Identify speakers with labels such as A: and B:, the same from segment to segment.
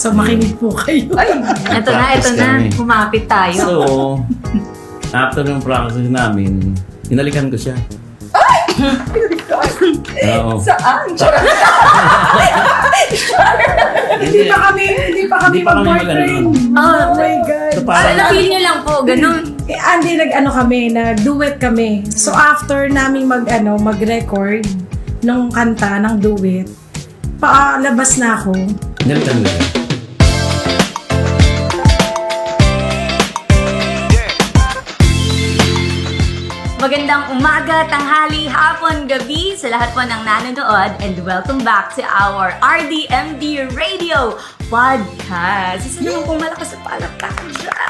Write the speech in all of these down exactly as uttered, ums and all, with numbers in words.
A: So, makinig po kayo.
B: Ay, ito na, ito na. Kumapit tayo.
C: So, after ng practice namin, hinalikan ko siya. Oo.
B: Saan?
A: Hindi pa kami, hindi pa kami
C: Hindi pa kami
A: mag-boyfriend.
C: mag-ano.
A: Oh, my God.
C: So,
B: Para
C: parang,
B: na-feel nyo lang po, ganun.
A: Eh, Andy, nag-ano kami, nag-duet kami. So, after namin mag-ano, mag-record ng kanta, ng duet, paalabas na ako.
C: hinalikan ko siya.
B: Magandang umaga, tanghali, hapon, gabi sa lahat po ng nanonood and welcome back to our R D M D Radio Podcast. Isa naman pong malakas sa palakpakan dyan.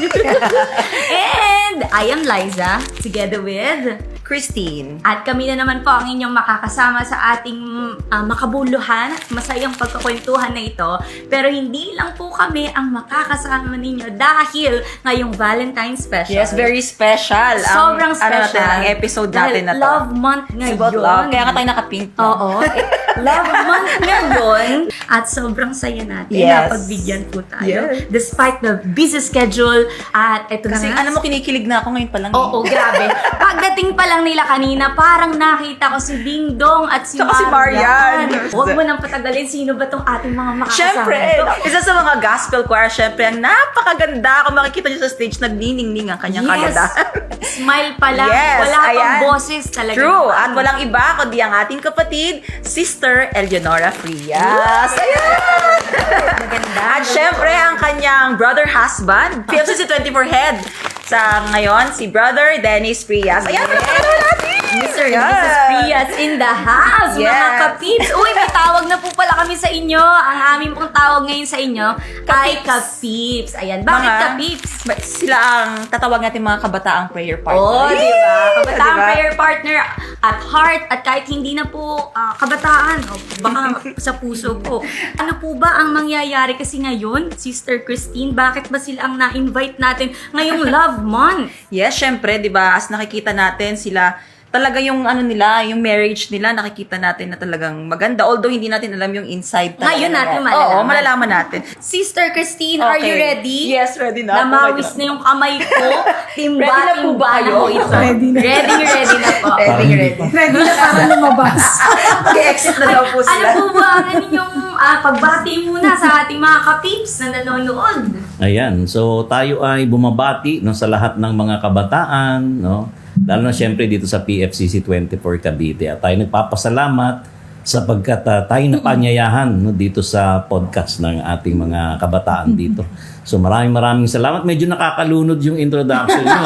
B: And I am Liza, together with
D: Christine.
B: at kami na naman po ang inyong makakasama sa ating uh, makabuluhan at masayang pagkakwentuhan na ito. Pero hindi lang po kami ang makakasama ninyo dahil ngayong Valentine's special.
D: Yes, very special.
B: Sobrang
D: ang,
B: special.
D: Ano natin, ang episode
B: Dahil
D: natin na to.
B: love month
D: It's
B: ngayon.
D: about love. Kaya nga tayo naka-pink. no?
B: Oo. Love month ngayon. At sobrang saya natin
D: Yes.
B: na pagbigyan po tayo.
D: Yes.
B: Despite the busy schedule. At eto
D: Kasi
B: na nga.
D: ano mo, kinikilig na ako ngayon pa lang.
B: Oo, grabe. Pagdating pa lang nila kanina, parang nakita ko si Ding Dong at si
D: Tsaka si Marian.
B: Huwag mo nang patagalin. Sino ba tong ating mga makakasama?
D: Siyempre,
B: ito?
D: isa sa mga gospel choir, siyempre, ang napakaganda. Kung makikita niyo sa stage, nagniningning ang kanyang
B: Yes.
D: kagandahan.
B: Smile pa lang.
D: Yes,
B: Wala pang
D: ayan.
B: boses talaga.
D: True. At walang iba kundi ang ating kapatid, Sister Eleonora Frias. Ayan!
B: Maganda.
D: At syempre, ang kanyang brother husband, P F C C twenty-four head. Sa ngayon, si Brother Dennis Frias. Ayan, yeah. natin!
B: Mister and Missus Frias in the house, mga
D: Yes.
B: kapips. Uy, may tawag na po pala kami sa inyo. Ang aming pong tawag ngayon sa inyo ay kapips. Ayan, bakit
D: Mga-
B: kapips?
D: Ba- Sila ang tatawag natin mga kabataang prayer partner.
B: Oh, di ba? Kabataan
D: Diba?
B: prayer partner at heart at kahit hindi na po ah, kabataan, o baka sa puso po. Ano po ba ang mangyayari kasi ngayon, Sister Christine? Bakit ba sila ang na-invite natin ngayong Love Month?
D: Yes, syempre, di ba, as nakikita natin sila, talaga yung ano nila, yung marriage nila, nakikita natin na talagang maganda. Although hindi natin alam yung inside. talaga
B: Ngayon
D: nila.
B: natin malalaman.
D: Oo, malalaman natin.
B: Sister Christine, are you
D: Okay.
B: ready?
D: Yes, ready na.
B: Namawis na yung kamay ko. Timba,
D: Ready na po ba
B: timba
D: kayo?
B: na po ito.
A: Ready na.
B: Ready, ready na po.
D: Ready,
C: Parang hindi
D: ready.
C: pa.
A: Ready na para lumabas.
D: Mag-exit na daw po
B: Ano
D: sila.
B: po ba ang inyong ah, pagbati muna sa ating mga kapips na nanonood?
C: Ayan, so tayo ay bumabati no, sa lahat ng mga kabataan, no? Lalo na siyempre dito sa P F C C twenty-four Cavite. At tayo nagpapasalamat sapagkat uh, tayo napanyayahan no, dito sa podcast ng ating mga kabataan dito. So maraming maraming salamat. Medyo nakakalunod yung introduction nyo.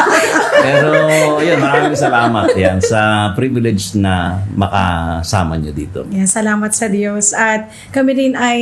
C: Pero yun, maraming salamat yan sa privilege na makasama nyo dito.
A: Yan, salamat sa Diyos. At kami rin ay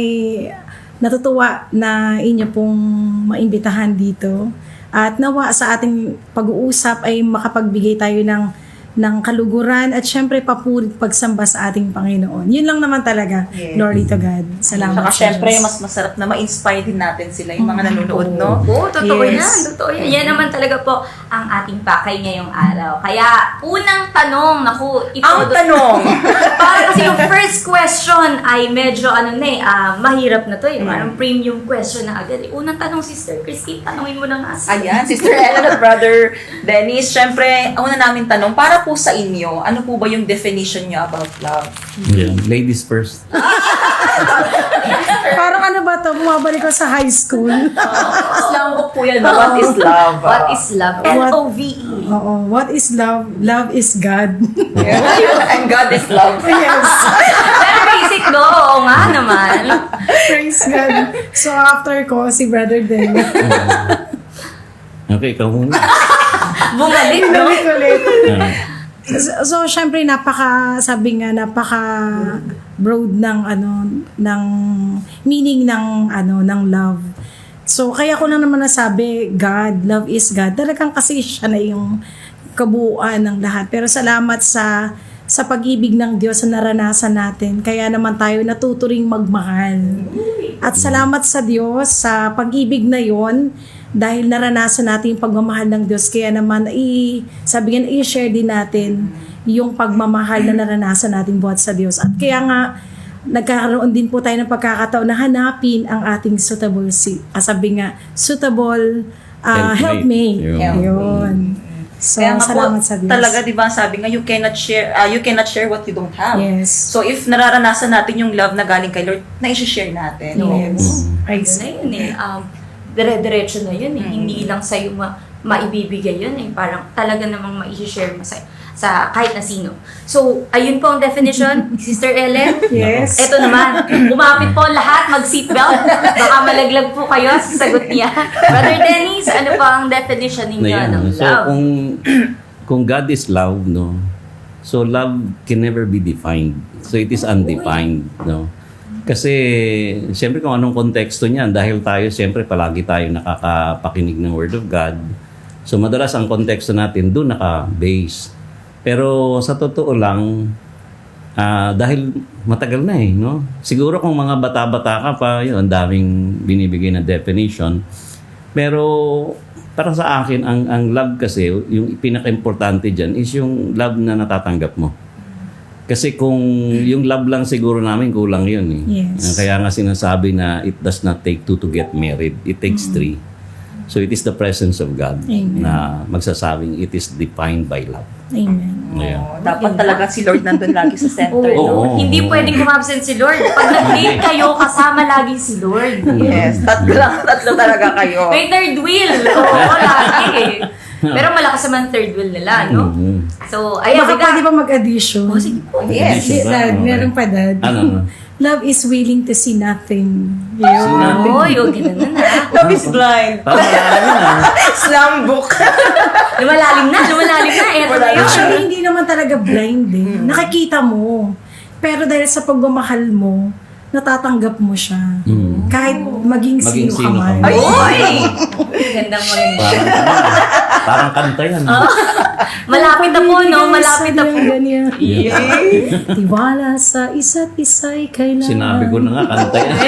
A: natutuwa na inyo pong maimbitahan dito. At nawa sa ating pag-uusap ay makapagbigay tayo ng ng kaluguran at syempre papurit pagsamba sa ating Panginoon. Yun lang naman talaga.
D: Yes.
A: Glory to God. Salamat
D: Saka
A: sa
D: syempre,
A: Diyos.
D: mas masarap na ma-inspire din natin sila, yung mga nanonood, no?
B: Oo, totoo
D: Yes.
B: yan. Totoo yan. Yan naman talaga po ang ating pakay ngayong araw. Kaya, unang tanong, naku, ito.
D: Ang tanong!
B: Para kasi yung first question ay medyo ano na eh, ah, mahirap na to eh. Parang premium question na agad. Eh. Unang tanong, Sister Christine, tanongin mo na nga. sis.
D: Ayan, Sister Ellen at Brother Dennis, syempre, una namin tanong, para po sa inyo, ano po ba yung definition nyo about love?
C: Yan. Ladies first.
A: Parang ano ba to? Bumabalik ko sa high school.
D: Islam po yan, what is love?
B: What is love? L O V E.
A: Oo. What is love? Love is God.
D: And God is love.
A: Yes.
B: Pero basic no, oo nga naman.
A: Praise God. So after ko, si Brother Den.
C: Okay, ikaw muna.
B: Bumalik, no?
A: Bumalik ulit.
C: Ah.
A: So, so syempre napaka sabi nga napaka broad ng ano ng meaning ng ano ng love. So kaya ko lang naman nasabi God, love is God. Talagang kasi siya na yung kabuuan ng lahat. Pero salamat sa sa pag-ibig ng Diyos na naranasan natin. Kaya naman tayo natuturing magmahal. At salamat sa Diyos sa pag-ibig na yon. Dahil naranasan natin yung pagmamahal ng Diyos, kaya naman i, sabi nga, i-share din natin yung pagmamahal na naranasan natin buhat sa Diyos. At kaya nga, nagkakaroon din po tayo ng pagkakataon na hanapin ang ating suitable, si, ah, sabi nga, suitable ah, helpmate.
C: Helpmate.
A: Yun.
C: Yun.
A: So,
D: Kaya nga po,
A: salamat sa Diyos.
D: talaga, di ba, sabi nga, you cannot share uh, you cannot share what you don't have.
A: Yes.
D: So, if nararanasan natin yung love na galing kay Lord, na-share natin.
A: Yes.
B: Ayun na yun eh. Um, dire-diretso na yun eh.
A: Mm.
B: Hindi lang sa'yo ma- maibibigay yun eh. Parang talaga namang ma-share mo sa, sa kahit na sino. So, ayun po ang definition, Sister Ellen.
A: Yes.
B: Ito naman, umapit po lahat, mag-seatbelt. Baka malaglag po kayo sa sagot niya. Brother Dennis, ano po ang definition ninyo
C: Na
B: ng
C: yan. So,
B: love?
C: kung, kung God is love, no? So, love can never be defined. So, it is undefined, no? Kasi, siyempre kung anong konteksto niyan, dahil tayo, siyempre, palagi tayo nakakapakinig ng Word of God. So, madalas ang konteksto natin doon naka-base. Pero sa totoo lang, ah, dahil matagal na eh, no? Siguro kung mga bata-bata ka pa, yun, ang daming binibigay na definition. Pero para sa akin, ang, ang love kasi, yung pinaka-importante dyan is yung love na natatanggap mo. Kasi kung yung love lang siguro namin, kulang yun eh.
A: Yes.
C: Kaya nga sinasabi na it does not take two to get married. It takes three. So it is the presence of God
A: Amen.
C: na magsasabing it is defined by love.
A: Amen.
C: Ayan.
D: Oh, dapat talaga si Lord nandun lagi sa center.
B: Oo.
C: Oo.
B: Hindi pwedeng kumabsent si Lord. Pag nag-date kayo, kasama lagi si Lord.
D: Yes, tatlo lang, tatlo talaga kayo.
B: May third wheel. Oo, lagi eh. Pero malakas naman third wheel nila, no?
C: Mhm.
B: So, ayan.
A: Baka
B: biga-
A: pwede pa mag-addition.
B: Oh, sige po.
D: Yes.
A: Di-
C: Diba?
A: dad,
C: Okay.
A: meron pa, Dad.
C: Ano, ano?
A: Love is willing to see nothing.
C: See
A: Yun.
C: nothing.
B: Oh, yung ganun na na.
D: Love is blind.
C: Parang malalim yun ah.
D: Slam book.
B: Lumalalim na, lumalalim na. Eto na yun.
A: Actually, hindi naman talaga blind eh. Nakikita mo. Pero dahil sa pagmamahal mo, natatanggap mo siya.
C: Mm.
A: Kahit maging,
C: Maging
A: sino,
C: sino
A: ka
C: ka
A: man.
C: man.
B: Uy! Gandang mo rin.
C: Parang, parang kanta yan. ah.
B: Malapit na po, no?
A: Pabibigay
B: Malapit
A: sa
B: na po.
A: ganyan. Tiwala sa isa't isa'y kailangan.
C: Sinabi ko na nga, kanta yan.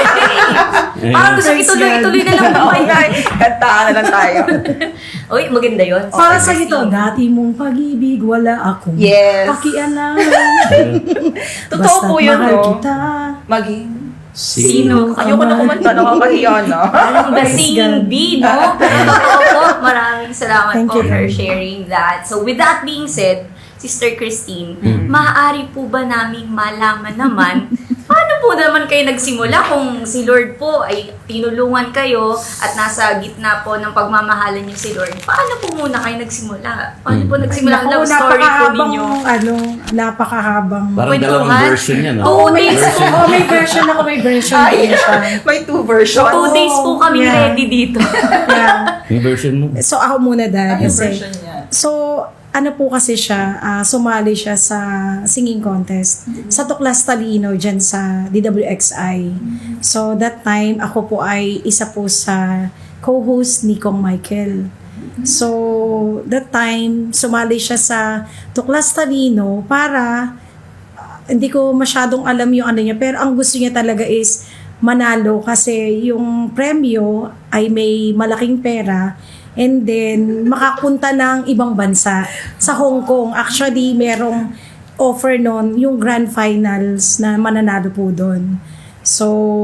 B: Parang gusto
A: Praise
B: ituloy-ituloy na lang po
D: Oo
B: kayo.
D: nga, eh. kantahan na lang tayo.
B: Uy, maganda yun.
A: Para sa ito, dati mong pag-ibig, wala akong
D: Yes.
A: pakialam.
D: Totoo
A: Basta't
D: po yun,
A: mahal
D: no?
A: kita.
D: Maging...
B: Sino?
D: Ayoko na kumanta, nakakahiya na.
B: Parang the
A: Praise
B: same
A: God.
B: bee, no? Pero totoo po, maraming salamat
A: Thank
B: po
A: you,
B: for
A: Lord.
B: sharing that. So with that being said, Sister Christine,
A: Mm.
B: maaari po ba naming malaman naman paano po naman kayo nagsimula kung si Lord po ay tinulungan kayo at nasa gitna po ng pagmamahalan niyo si Lord? Paano po muna kayo nagsimula? Paano po nagsimula ang
A: Naku,
B: love story po
A: napakahabang,
B: ninyo?
A: Ano, napakahabang.
C: Parang
B: Kwentuhan.
C: dalawang version yan.
B: Oo,
C: Oh.
B: may-
C: Version.
A: Oh, may version ako, may version
D: Ay,
A: din siya.
D: may two versions.
B: Two days po kami
A: Yeah.
B: ready dito.
A: Yeah.
C: Yung version mo.
A: So ako muna, Dad.
D: Ano yung
A: Kasi,
D: version niya?
A: so, ano po kasi siya, ah, sumali siya sa singing contest sa Tuklas Talino dyan sa D W X I. So, that time, ako po ay isa po sa co-host ni Kong Michael. So, that time, sumali siya sa Tuklas Talino para, ah, hindi ko masyadong alam yung ano niya, pero ang gusto niya talaga is manalo kasi yung premyo ay may malaking pera. And then, makapunta ng ibang bansa. Sa Hong Kong, actually, merong offer nun, yung grand finals na mananalo po doon. So,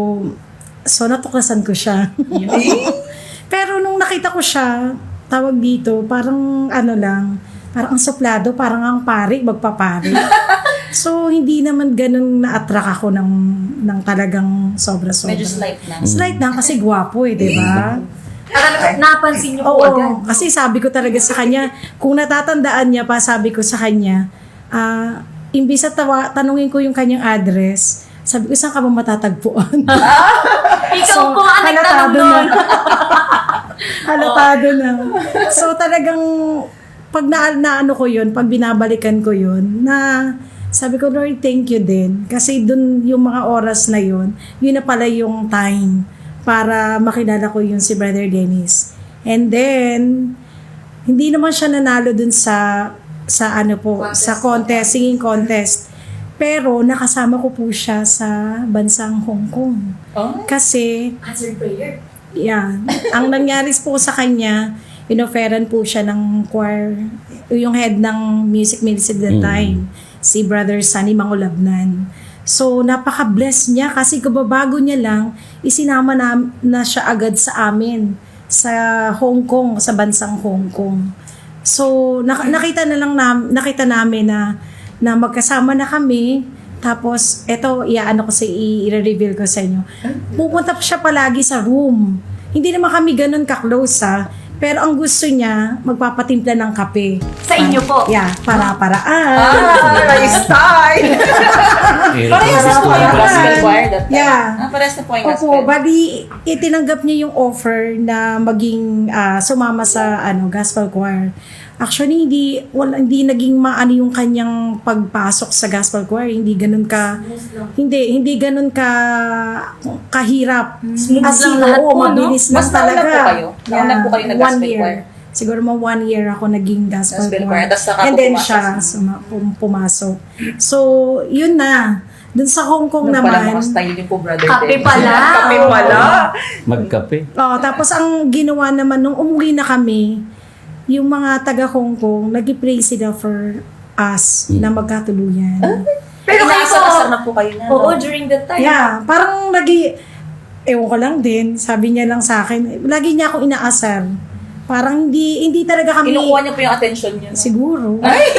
A: so natuklasan ko siya. Pero nung nakita ko siya, tawag dito, parang ano lang, parang ang suplado, parang ang pari, magpapari. So, hindi naman ganun na-attract ako ng, ng talagang sobra-sobra.
D: Medyo slight lang.
A: Slight lang kasi gwapo eh, di ba?
B: Parang napansin niyo po
A: Oo,
B: agad.
A: kasi sabi ko talaga sa kanya, kung natatandaan niya pa, sabi ko sa kanya, ah, imbis na tawa, tanungin ko yung kanyang address, sabi ko, saan ka ba matatagpuan?
B: Ikaw po ang nagtanong
A: halatado
B: nun.
A: na. Halatado na. So talagang, pag na, na ano ko yun, pag binabalikan ko yun, na sabi ko, Lord, thank you din. Kasi dun yung mga oras na yun, yun na pala yung time para makilala ko yung si Brother Dennis. And then, hindi naman siya nanalo dun sa sa ano po,
B: Contest.
A: sa contest, singing contest. Pero nakasama ko po siya sa bansang Hong Kong.
D: Oh?
A: Kasi,
B: Answered prayer.
A: yeah, ang nangyari po sa kanya, inoferan po siya ng choir, yung head ng music ministry at that
C: Mm.
A: time, si Brother Sunny Mangulabnan. So, napaka-bless niya kasi kababago niya lang, isinama na, na siya agad sa amin sa Hong Kong, sa bansang Hong Kong. So, nak- nakita na lang na, nakita namin na, na magkasama na kami. Tapos, eto, iaano ko sa i- i-reveal ko sa inyo. Pupunta pa siya palagi sa room. Hindi naman kami ganun ka-close ha. Pero ang gusto niya, magpapatimpla ng kape.
B: Sa inyo po?
A: Yeah, para-paraan.
D: Ah, nice style! Parehas na po kayo
A: Parang-
D: gospel choir that time.
A: Yeah.
D: Ah, parehas na po kayo
A: Opo,
D: gospel.
A: bali itinanggap niya yung offer na maging ah, sumama sa ano gospel choir. Actually, hindi wala, hindi naging maano yung kanyang pagpasok sa gospel choir. Hindi ganun ka hindi hindi ganun ka kahirap.
B: Smooth
A: As
B: lang
A: in,
B: lahat
A: oo,
B: po, no?
A: mabilis lang
D: Mas nauna
A: talaga.
D: po kayo? Nauna po kayo
A: one
D: nag-gospel
A: year.
D: choir?
A: Siguro mga one year ako naging gospel,
D: Gospel choir.
A: choir.
D: Tapos saka
A: And
D: po
A: then
D: pumasok
A: siya
D: sa-
A: suma, pum- pumasok. So, yun na. Dun sa Hong Kong
D: Nung pala
A: naman.
D: mga style din po, brother.
B: Kape
D: Dennis.
B: pala.
D: Kape pala.
C: Magkape.
A: Oh, tapos ang ginawa naman nung umuwi na kami, yung mga taga Hong Kong, nag-pray sila for us na magkatuluyan.
B: Pero kayo po,
D: Inaasar-asar na po kayo na.
B: oo,
D: no?
B: during that time.
A: Yeah, parang lagi, ewan ko lang din, sabi niya lang sa akin, lagi niya akong inaasar. Parang hindi hindi talaga kami,
D: Kinukuha niyo po yung attention niyo. no?
A: siguro.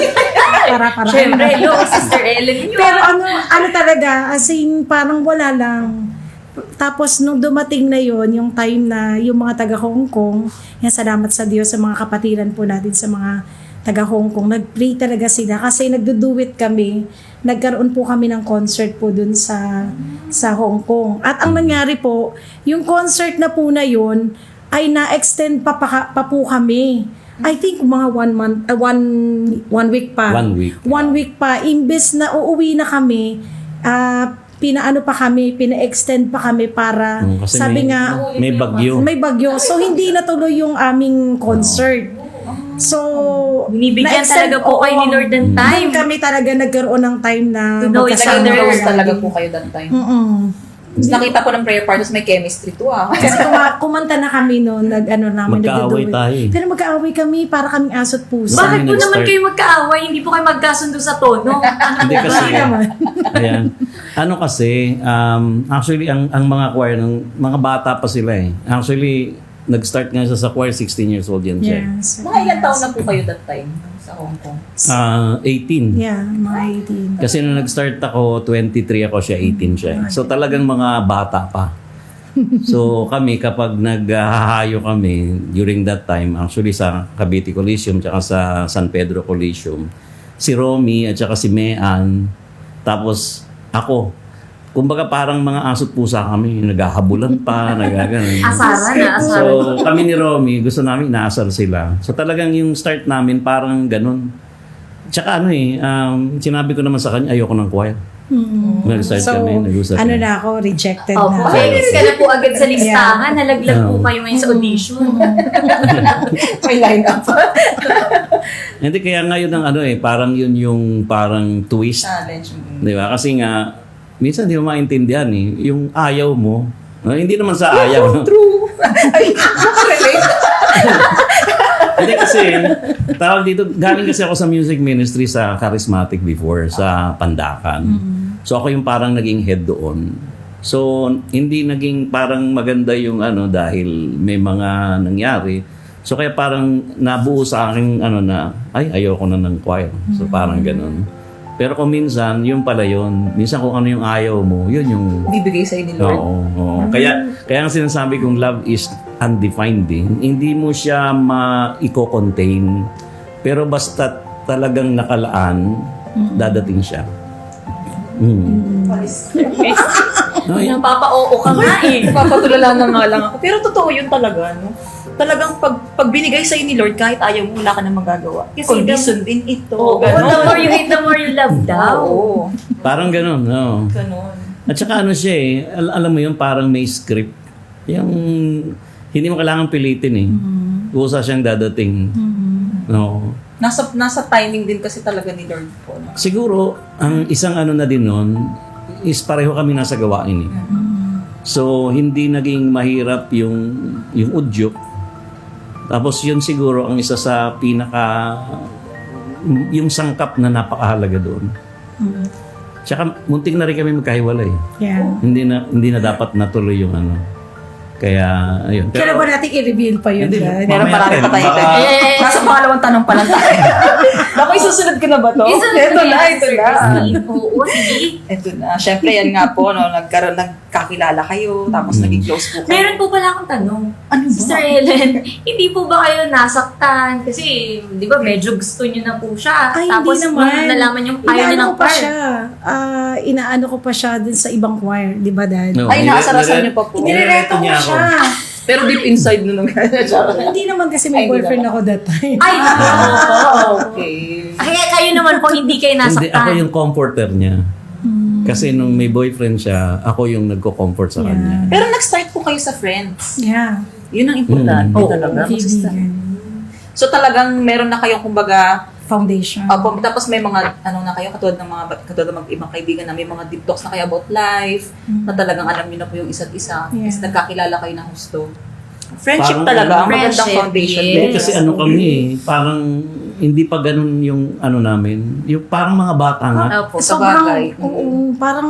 A: para para
B: Siyempre, hello, Sister Ellen yun.
A: Pero ano, ano talaga, as in, parang wala lang. Tapos, nung dumating na yon yung time na yung mga taga Hong Kong, yan, salamat sa Diyos sa mga kapatiran po natin sa mga taga Hong Kong, nag-pray talaga sila kasi nagduduwit kami, nagkaroon po kami ng concert po dun sa sa Hong Kong. At ang nangyari po, yung concert na po na yun, ay na-extend pa, pa, pa po kami. I think mga one month, uh, one, one week pa.
C: One week.
A: One week pa. Imbes na uuwi na kami, ah, pinaano pa kami, pina-extend pa kami para,
C: Mm, kasi
A: sabi
C: may-
A: nga,
C: May bagyo.
A: may bagyo. So, hindi natuloy yung aming concert. So,
B: Binibigyan
A: na-extend-
B: talaga po kayo ni
A: oo.
B: Lord ng time.
A: Doon kami talaga nagkaroon ng time na
B: To know each
A: magkasama
B: other.
D: Nag-close
A: kami.
D: talaga po kayo that time.
A: Mm-mm.
D: Tapos nakita ko ng prayer part, tapos may chemistry to ah.
A: Kasi kuma- kumanta na kami noon, nag ano namin,
C: Magkaaway
A: nagduduet.
C: tayo eh.
A: Pero magkaaway kami para kaming aso't puso.
C: Bakit?
B: Bakit po naman
C: nag-start?
B: kayo magkaaway? Hindi po kayo magkasundo sa tono? Ano
C: Hindi
B: po
C: kasi,
B: ba?
C: ayan. Ano kasi, um, actually, ang, ang mga choir, ng, mga bata pa sila eh. Actually, nag-start nga siya sa choir, sixteen years old yan siya.
A: Yes.
D: Mga ilang taon na po kayo that time sa Hong Kong?
C: Ah, eighteen.
A: Yeah, mga eighteen.
C: Kasi nung nag-start ako, twenty-three ako siya, eighteen siya. So talagang mga bata pa. So kami, kapag naghahayo kami during that time, actually sa Cavite Coliseum, tsaka sa San Pedro Coliseum, si Romy at saka si Mean, tapos ako, kumbaga parang mga aso't pusa kami, naghahabulan pa, nagaganon.
B: Asaran na, asaran.
C: So kami ni Romy, gusto namin inaasar sila. So talagang yung start namin parang ganun. Tsaka ano eh, um, sinabi ko naman sa kanya, ayoko ng choir.
A: Mm.
C: Nag-start
A: So,
C: kami, nag-usap
A: ano
C: kami.
A: na ako, rejected
B: Opo,
A: na.
B: failure ka na po agad sa listahan. Nalaglag po
C: Oo.
B: kayo ngayon sa audition.
D: May line up.
C: Hindi, kaya ngayon ang ano eh, parang yun yung parang twist.
D: Challenge.
C: Di ba? Kasi nga, minsan di mo maintindihan eh. Yung ayaw mo, no? Hindi naman sa ayaw. no?
D: True. Ay, relate.
C: Hindi kasi, tawag dito, galing kasi ako sa music ministry sa Charismatic before, sa Pandakan. So ako yung parang naging head doon. So hindi naging parang maganda yung ano dahil may mga nangyari. So kaya parang nabuo sa akin ano na, ay ayoko na ng choir. So parang ganun. Pero kung minsan, yun pala yun. Minsan kung ano yung ayaw mo, yun yung...
D: Bibigay sa'yo ni Lord.
C: Oo, oo. Kaya, kaya ang sinasabi kong love is undefined eh. Hindi mo siya ma-i-contain. Pero basta talagang nakalaan, dadating siya. Mm. No, eh,
B: Napapa-oo ka nga eh.
D: Papatulala na nga lang ako. Pero totoo yun talaga, no? Talagang pag, pag binigay sa'yo ni Lord, kahit ayaw mo, wala ka na magagawa.
B: Kasi
D: Kundi
B: the-
D: sundin ito.
B: Oo, the more you hate, the more you love daw.
D: Oo.
C: parang ganun, no?
D: Ganon.
C: At saka ano siya eh, al- alam mo yun, parang may script. Yung, hindi mo kailangan pilitin eh. Kusa siyang dadating. No.
D: Nasa, nasa timing din kasi talaga ni Lord po. No?
C: Siguro, ang isang ano na din nun, is pareho kami nasa gawain eh. So, hindi naging mahirap yung, yung udyok. Tapos yun siguro ang isa sa pinaka, yung sangkap na napakahalaga doon. Tsaka muntik na rin kami magkahiwalay.
A: Yeah.
C: Hindi na hindi na dapat natuloy yung ano. Kaya, ayun.
A: Kailan ba natin i-reveal pa yun,
C: Hindi,
A: guys?
D: Meron
C: mamaya
D: marami
C: rin,
D: pa tayo.
C: baka-
D: Eh, Nasa pangalawang tanong pa lang tayo. Naku, isusunod ko na ba to?
B: Isunod
D: Ito
B: ko
D: na,
B: yan,
D: ito
B: Sir
D: na.
B: Christine. Oo, sige.
D: Ito na. Siyempre, yan nga po, no, nagkaroon, nagkakilala kayo, tapos naging close po kayo.
B: Meron po pala akong tanong.
D: Ano ba?
B: Sister Ellen, hindi po ba kayo nasaktan? Kasi, di ba, medyo gusto niyo na po siya.
A: Ay,
B: Tapos,
A: hindi naman.
B: nung nalaman yung ayaw niya
A: Inaano
B: ng
A: ko pa
B: choir.
A: siya. Ah, inaano ko pa siya dun sa ibang choir. Di ba, Dad?
C: No,
D: Ay,
C: nire-
D: nakasarasan
C: nire-
D: niyo pa po.
A: Nirereto ko
C: niya ako.
A: siya.
D: Pero deep inside nun,
A: Hindi naman kasi may
D: Ay, hindi
A: boyfriend
D: naman.
A: ako that time.
B: Ay, oo.
D: okay.
B: Kaya kayo naman po, hindi kayo
C: Hindi, ako
B: nasaktan.
C: yung comforter niya. Kasi nung may boyfriend siya, ako yung nagko-comfort sa
A: Yeah.
C: kanya.
D: Pero nag-start po kayo sa friends.
A: Yeah.
D: Yun ang importante
C: Mm.
B: Oo,
D: talaga. Mag-start.
A: Kaibigan.
D: So talagang meron na kayong kumbaga,
A: Foundation.
D: Opo, tapos may mga ano na kayo katulad ng mga katulad ng mga ibang kaibigan na may mga deep talks na kayo about life, na talagang alam niyo na po yung isa't isa.
A: Yeah.
D: Tapos nagkakilala kayo ng gusto. Friendship
C: Parang
D: talaga, ang magandang
B: Friendship,
D: foundation.
B: yes.
C: Eh,
D: din.
C: kasi ano kami eh, parang hindi pa ganun yung ano namin. Yung parang mga bata nga.
B: Opo.
D: sa
A: Sobrang,
D: bagay.
A: oo, parang,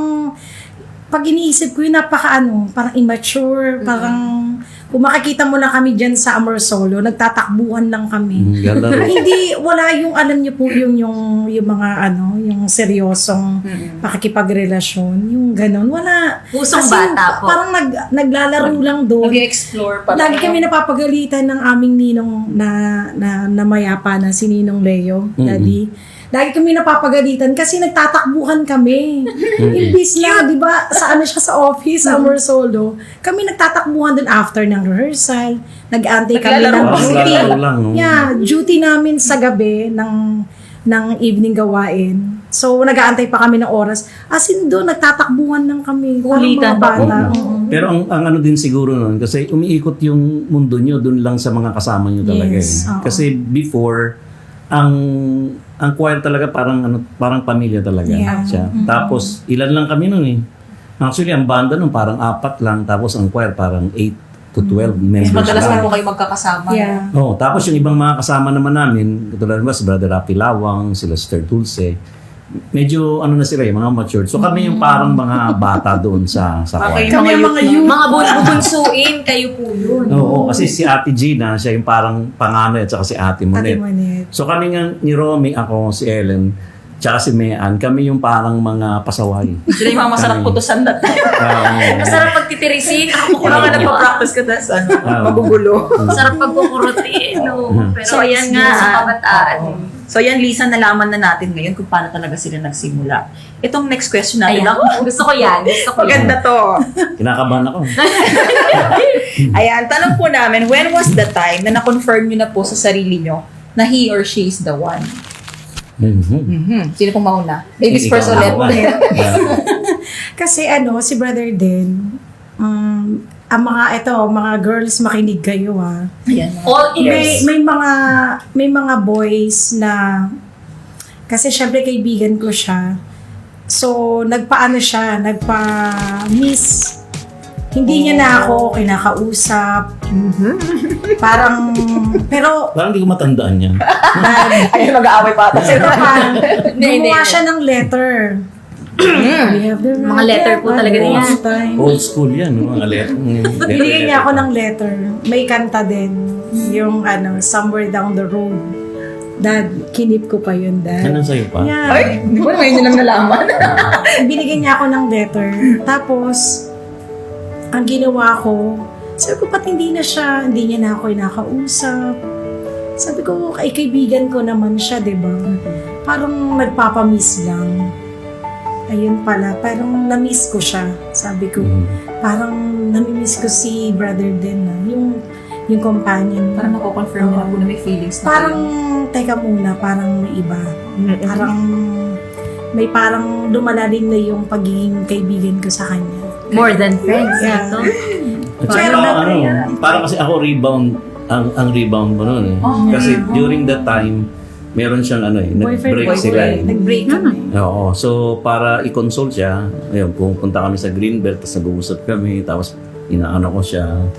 A: pag iniisip ko yun, napaka ano, parang immature, parang, kung makikita mo lang kami dyan sa Amor Solo, nagtatakbuhan lang kami.
C: Mm, galaro.
A: Hindi, wala yung, alam niyo po, yung, yung, yung mga, ano, yung seryosong
D: Mm-mm.
A: pakikipagrelasyon, yung ganon, wala.
B: Pusong
A: Kasi
B: bata po.
A: parang nag, naglalaro lang doon.
D: Nag-explore pa.
A: Lagi kami napapagalitan ng aming ninong na, na, na mayapa na si Ninong Leo, Daddy. Lagi kami napapagalitan kasi nagtatakbuhan kami. Imbis na, di ba, sa ano siya sa office, Amor Solo, kami nagtatakbuhan din after ng rehearsal. Nag-antay kami ng
D: Naglalaro.
A: duty.
C: Naglalaro lang, no?
A: Yeah, duty namin sa gabi ng ng evening gawain. So, nag-aantay pa kami ng oras. As in doon, nagtatakbuhan lang kami. Parang
B: Kulitan
A: mga
B: pa
A: bata.
C: Oo.
A: Oo.
C: Pero ang, ang ano din siguro nun, kasi umiikot yung mundo nyo dun lang sa mga kasama nyo talaga
A: Yes,
C: eh.
A: oo.
C: Kasi before, ang ang choir talaga parang ano parang pamilya talaga
A: Yeah.
C: siya. Tapos ilan lang kami nun eh. Actually ang banda nun parang apat lang, tapos ang choir parang eight to twelve members
D: Madalas
C: lang.
D: na po kayo magkakasama.
A: Yeah.
C: Oh, tapos yung ibang mga kasama naman namin, katulad ba si Brother Rapi Lawang, sila Sister Dulce, medyo ano na sila eh, mga matured. So kami yung parang mga bata doon sa sa
D: Okay,
C: choir.
A: Kami ang mga youth.
B: Mga bubunsuin, kayo po yun.
C: Oo, kasi si Ate Gina, siya yung parang panganay at saka si Ate
A: Ate
C: Monet.
A: Monet.
C: So kami nga ni Romy, ako, si Ellen, tsaka si Mean, kami yung parang mga pasaway.
D: Sila yung mga masarap
C: Kami.
D: putusan na tayo.
C: Oo.
B: Masarap pagtitirisin. Ako
D: Yung mga nagpa-practice ka tas ano, magugulo.
B: Masarap pagkukurutin. No? Pero
D: So, ayan nga.
B: Sa
D: ah,
B: kabataan.
D: oo. So, ayan, Lisa, nalaman na natin ngayon kung paano talaga sila nagsimula. Itong next question natin.
B: Ayan.
D: Ako,
B: Gusto ko yan. Gusto ko yan.
D: maganda to.
C: Kinakabahan ako.
D: Ayan, tanong po namin, when was the time na na-confirm nyo na po sa sarili nyo na he or she is the one?
C: Mhm.
D: Mhm. Sino pong mauna? Ladies
C: Ikaw
D: first
C: na
D: ulit.
C: ako. Yeah.
A: Kasi ano, si brother din, um, ang mga, ito, mga girls, makinig kayo ha.
D: Ayan.
B: All
A: May,
B: ears.
A: may mga, may mga boys na, kasi syempre kaibigan ko siya. So, nagpaano siya, nagpa-miss. Hindi niya na ako kinakausap. Parang, pero,
C: Parang hindi ko matandaan yan.
D: Ayan, mag-aaway pa ata
A: pero
D: sila.
A: parang,
B: Hindi, hindi.
A: gumawa siya ng letter. We have the
B: Mga letter po
A: right
B: talaga
A: at
B: yan.
A: this time.
C: Old school yan, no? Mga letter.
A: Binigyan niya ako ng letter. May kanta din. Yung ano, Somewhere Down the Road. Dad, kinip ko pa yun, Dad.
C: Ano sa'yo pa?
A: Yeah.
D: Ay, di ba ngayon nyo lang nalaman?
A: Binigyan niya ako ng letter. Tapos, ang ginawa ko, sabi ko, ba't hindi na siya, hindi niya na ako inakausap. Sabi ko, ay kaibigan ko naman siya, di ba? Parang nagpapamiss lang. Ayun pala, parang na-miss ko siya. Sabi ko,
C: Mhm.
A: parang nami-miss ko si brother din, na, yung, yung companion.
D: Parang nako-confirm nyo na po na may feelings na
A: Parang, teka muna, parang may iba.
D: kayo.
A: Parang, may parang lumalalim na yung pagiging kaibigan ko sa kanya.
B: More than friends.
A: Yeah.
B: Ito.
C: At saka,
A: Pero-
C: ano, parang kasi ako rebound, ang ang rebound ko noon eh.
D: Oh,
C: Kasi during that time, meron siyang ano eh, nag-break
A: boyfriend.
C: sila eh.
A: Nag-break kami.
C: Oo. So, para i-console siya, ayun, pupunta kami sa Greenbelt, tapos nag-uusap kami, tapos inaano ko siya.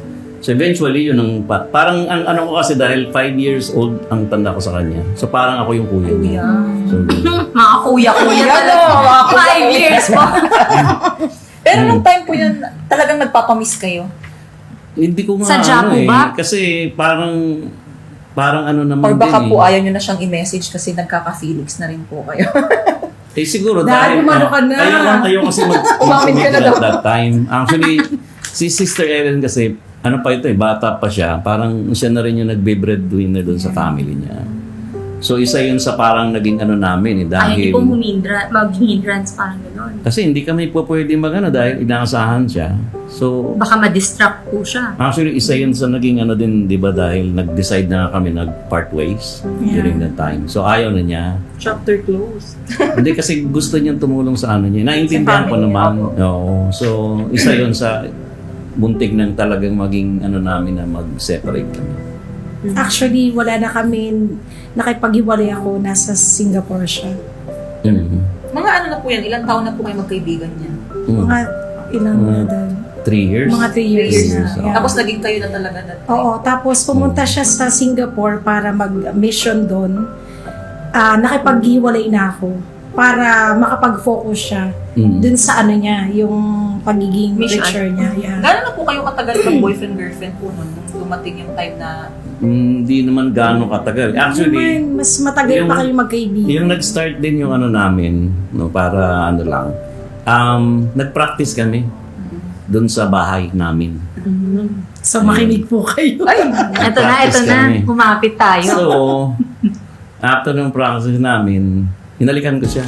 C: So eventually, yun ang, pa- parang ang ano ko kasi dahil five years old ang tanda ko sa kanya. So parang ako yung kuya niya. So,
B: Mga kuya-kuya talaga. Five years po.
D: Pero nung time po yun, talagang nagpapamiss kayo.
C: hindi ko nga
B: Sadya
C: ano
B: po
C: eh.
B: ba?
C: Kasi parang, parang ano naman
D: Or baka
C: din
D: po
C: eh.
D: ayaw nyo na siyang i-message kasi nagkaka-feelings na rin po kayo.
C: Eh siguro
A: Dahil
C: dahil,
A: umano ka na.
C: ayaw, ayaw kasi mag
D: Umamin ka na daw.
C: at that time. Actually, si Sister Ellen kasi, ano pa ito eh, bata pa siya. Parang siya na rin yung nagbe-breadwinner doon sa family niya. So isa yun sa parang naging ano namin eh,
B: Ay,
C: dahil...
B: hindi po humindra, mag-hindrance, parang gano'n.
C: Kasi hindi kami po pwede magano dahil inaasahan siya. So,
B: Baka ma-distract po siya.
C: actually, isa yun sa naging ano din, di ba, dahil nag-decide na kami nag-part ways during that time. So, ayaw na niya.
D: Chapter closed.
C: Hindi kasi gusto niyang tumulong sa ano niya. Naintindihan ko
D: family,
C: naman. Oo. So, isa yun sa buntik ng talagang maging ano namin na mag-separate kami.
A: Actually, wala na kami, nakipag-iwalay ako, nasa Singapore siya.
C: Mhm.
D: Mga ano na po yan, ilang taon na po kayo magkaibigan niyan?
C: Mm.
A: Mga ilang
C: Mga
A: na doon.
C: Three years?
A: Mga three years,
C: Three
A: na.
C: years,
A: Yeah.
C: oo.
D: Tapos naging kayo na talaga na.
A: Oo, tapos pumunta siya sa Singapore para mag-mission doon. Ah, nakipaghiwalay na ako para makapag-focus siya
C: Mm.
A: dun sa ano niya, yung pagiging
D: Mission.
A: preacher niya. Yeah.
D: Gano'n na po kayo katagal ng boyfriend-girlfriend po nun? Nung dumating yung time na
C: Hindi naman gaano katagal. Actually,
A: Naman, mas matagal
C: yung-
A: pa kayo magkaibigan.
C: yung nag-start din yung ano namin, no, para ano lang, um, nag-practice kami doon sa bahay namin.
A: So makinig po kayo.
D: Ay,
B: Ito na, ito
C: Practice
B: na.
C: kami.
B: Kumapit tayo.
C: So, after ng practice namin, hinalikan ko siya.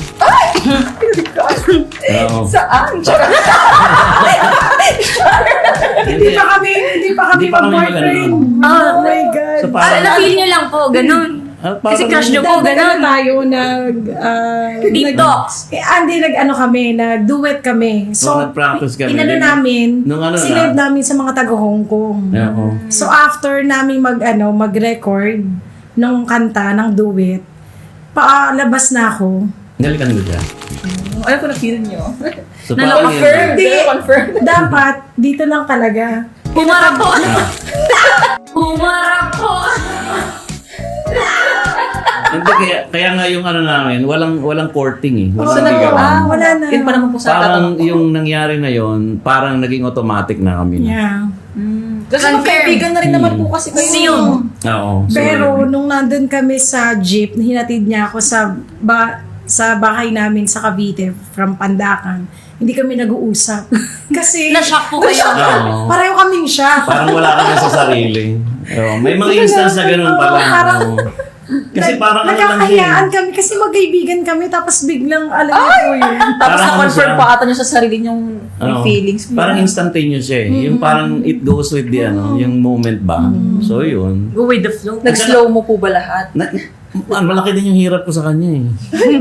C: Oo.
D: saan? Charot.
A: Hindi pa kami, hindi pa kami
C: Hindi pa kami
A: mag-boyfriend.
C: mag-ano.
A: Oh my God.
C: So,
B: Ah,
C: parang,
B: na-feel nyo lang po, ganun.
C: Ah,
B: Kasi
C: parang-
B: crush nyo po,
A: Nag-
B: ganun.
A: ano tayo, nag... Uh,
B: Deep talks.
A: Eh, hindi, nag-ano kami, nag-duet kami.
C: So,
A: So,
C: nag-practice kami.
A: inano
C: Then,
A: namin,
C: nung ano
A: silive
C: na-
A: namin sa mga taga-Hong Kong.
C: Oo.
A: So, after namin mag, ano, mag-record ng kanta, ng duet, paalabas na ako.
C: Hinalikan ko siya.
D: Ano po na-feel nyo?
C: So,
B: Na
C: parang
D: Confirm.
A: Hindi.
D: Confirm.
A: Dapat, dito lang talaga.
B: Humarap po. Humarap po.
C: Hindi, kaya, kaya nga yung ano namin, walang walang courting eh.
A: Oh,
C: Walang
D: So, nag-
C: ligawan.
A: ah, wala na.
D: Yun pa naman po sa
C: Parang
D: tatanong ko.
C: yung nangyari na yon, parang naging automatic na kami na.
A: Yeah.
D: Mm. Kasi
B: Confirm.
D: magkaibigan na rin naman po kasi kayo.
B: Seal.
C: Oo. So,
A: Pero nung nandun kami sa jeep, hinatid niya ako sa ba sa bahay namin sa Cavite from Pandacan. Hindi kami nag-uusap. Kasi
B: Na-shock po kayo.
C: Oo.
A: pareho kaming siya.
C: Parang wala ka na sa sarili. Oo, may mga instance na ganun pala.
A: Oo, parang-
C: Oo. Kasi parang ano lang
A: Nagkakayaan
C: siya.
A: kami kasi magkaibigan kami tapos biglang alam niyo po yun.
D: Tapos
C: Parang ano
D: na-confirm
C: siya?
D: pa ata nyo sa sarili nyong may
C: Oo.
D: feelings.
C: Parang instantaneous siya eh. Yung parang it goes with the ano, yung moment ba. So yun.
B: Go with the flow.
D: Nag-slow mo po ba lahat?
C: Na, ah, malaki din yung hirap ko sa kanya eh.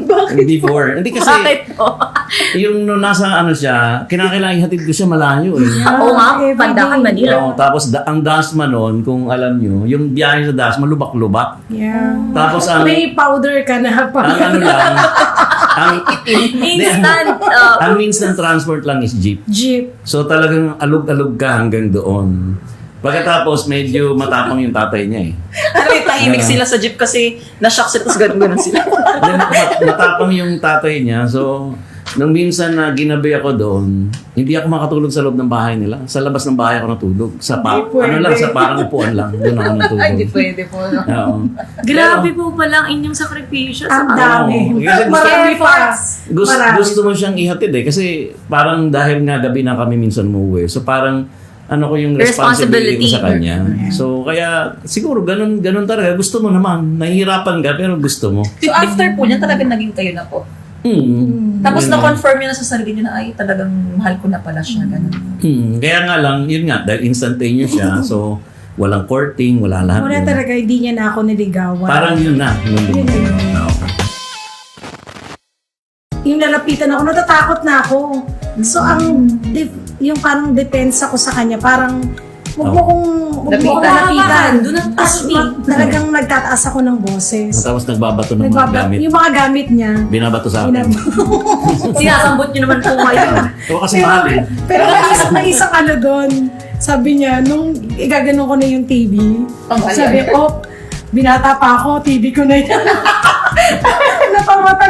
C: Before. Hindi kasi
B: Bakit po?
C: yung no, nasa ano siya, kinakailangan ihatid ko siya malayo eh.
B: Oo nga,
A: everyday.
B: Pandacan, Manila.
C: Oo, tapos da- ang Dasma noon, kung alam nyo, yung biyahe sa Dasma, lubak-lubak.
A: Yeah.
C: Tapos ang,
A: May powder ka na pa.
C: ang ano lang, ang,
B: Instant. uh,
C: ang means ng transport lang is jeep.
A: Jeep.
C: So talagang alug-alug ka hanggang doon. Pagkatapos, medyo matapang yung tatay niya eh.
D: Ano yung tahimik sila sa jeep kasi na-shock sila tapos ganun-ganun sila.
C: Then, mat- matapang yung tatay niya. So, nung minsan na ginabi ako doon, hindi ako makatulog sa loob ng bahay nila. Sa labas ng bahay ako natulog. Sa pa-
A: Hindi pwede.
C: ano lang, sa parang upuan lang. Doon ako natulog.
D: Ay, hindi pwede po. No?
C: Oo.
B: Grabe po pala ang inyong sakripisyo.
A: Ang
B: sa
A: dami.
C: Oo. Kasi gusto-
A: Marami pa.
C: Gusto,
A: Marami.
C: gusto mo siyang ihatid eh. Kasi parang dahil nga gabi na kami minsan umuwi. So parang ano ko yung responsibility ko sa kanya. So kaya siguro ganun ganun talaga. Gusto mo naman. Nahihirapan ka pero gusto mo.
D: So after po niyan, talagang naging kayo na po.
C: Hmm.
D: Tapos
C: Yun.
D: na-confirm niyo na sa sarili niyo na ay talagang mahal ko na pala siya. Ganun.
C: Hmm. Kaya nga lang, yun nga, dahil instantaneous siya. So walang courting, wala lahat.
A: Wala
C: yun.
A: talaga, hindi niya na ako niligawan.
C: Parang yun na. Yun,
A: Yun na yun. Yung lalapitan ako, natatakot na ako. So, ang, def- yung parang depensa ko sa kanya, parang, huwag mo
C: Oh.
A: kong, huwag mo kong
D: Lapitan.
A: lapitan.
B: Do not
A: Tapos,
B: touch me.
A: ma- talagang nagtataas ako ng boses.
C: Tapos nagbabato ng mga
A: Nagbaba-
C: gamit.
A: yung mga gamit niya.
C: Binabato sa akin.
A: Pinab-
B: Sinasambot nyo naman po ngayon.
C: Oo, kasi
A: pero,
C: mahal eh.
A: pero may isang, may isang ano doon. sabi niya, nung igaganon ko na yung T V,
D: Tanghalian.
A: sabi, oh, binata pa ako, T V ko na yan. Natawa